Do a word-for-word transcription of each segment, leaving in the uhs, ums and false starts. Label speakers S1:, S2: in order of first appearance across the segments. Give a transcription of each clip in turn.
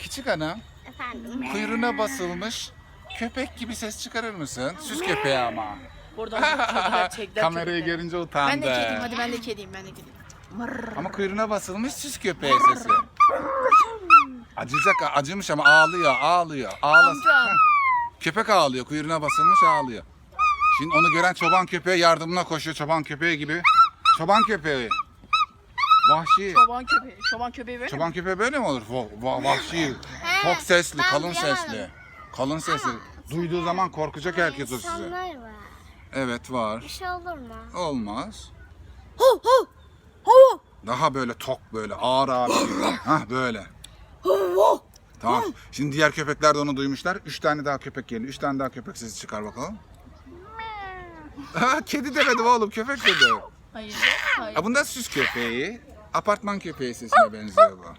S1: Küçük hanım,
S2: Efendim.
S1: kuyruğuna basılmış köpek gibi ses çıkarır mısın? Süs köpeği ama.
S3: Buradan kediler çekler
S1: Kamerayı
S3: köpekleri.
S1: görünce utandı.
S3: Ben de kediyim, hadi ben de kediyim, ben de kediyim. Mırr.
S1: Ama kuyruğuna basılmış süs köpeği sesi. Acıyacak, acımış ama ağlıyor, ağlıyor. Ağlasın.
S3: Amca.
S1: Heh. Köpek ağlıyor, kuyruğuna basılmış ağlıyor. Şimdi onu gören çoban köpeğe yardımına koşuyor, çoban köpeği gibi. Çoban köpeği. Vahşi.
S3: Çoban köpeği, çoban köpeği böyle mi?
S1: Çoban köpeği böyle mi olur? Va- va- vahşi, çok sesli,
S2: ben
S1: kalın
S2: duyamadım.
S1: sesli. Kalın sesli. Duyduğu zaman korkacak herkes o size.
S2: İnsanlar var.
S1: Evet var.
S2: Bir şey olur mu?
S1: Olmaz.
S3: Hu hu. Hu
S1: Daha böyle tok böyle ağır ağır. Hah böyle.
S3: hu.
S1: Tamam. Şimdi diğer köpekler de onu duymuşlar. Üç tane daha köpek geliyor. Üç tane daha köpek sesi çıkar bakalım. Ha, kedi demedim oğlum, köpek dedi.
S3: Hayır, hayır.
S1: Ha, bunda süs köpeği. Apartman köpeği sesine benziyor bu.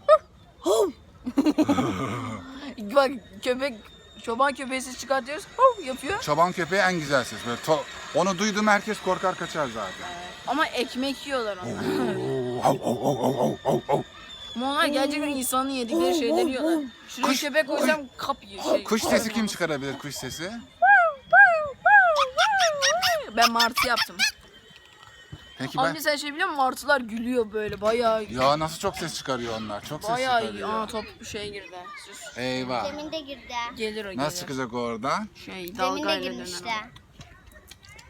S3: Bak köpek, çoban köpeği ses çıkartıyoruz, hu yapıyor.
S1: Çoban köpeği en güzel ses. Böyle to- onu duydum herkes korkar kaçar zaten.
S3: Ama ekmek yiyorlar onlar.
S1: Hav, hav, hav, hav, hav, hav, hav.
S3: Ama onlar gerçekten insanın yedikleri şeyleri yiyorlar. Şuraya
S1: Kuş-
S3: köpek koysam kap yiyor. Şey,
S1: Kuş sesi kim çıkarabilir, kuş sesi?
S3: Ben martı yaptım.
S1: Peki
S3: Ama
S1: ben...
S3: mesela şey biliyor musun? Martılar gülüyor böyle bayağı.
S1: Ya nasıl çok ses çıkarıyor onlar, çok ses
S3: Bayağı iyi.
S1: çıkarıyor.
S3: Aa top şey girdi. Sus.
S1: Eyvah.
S2: Demin de girdi.
S3: Gelir o gelir.
S1: Nasıl çıkacak oradan?
S3: Şey
S2: Demin de
S3: dalgayla
S2: girmişti.
S3: dönen.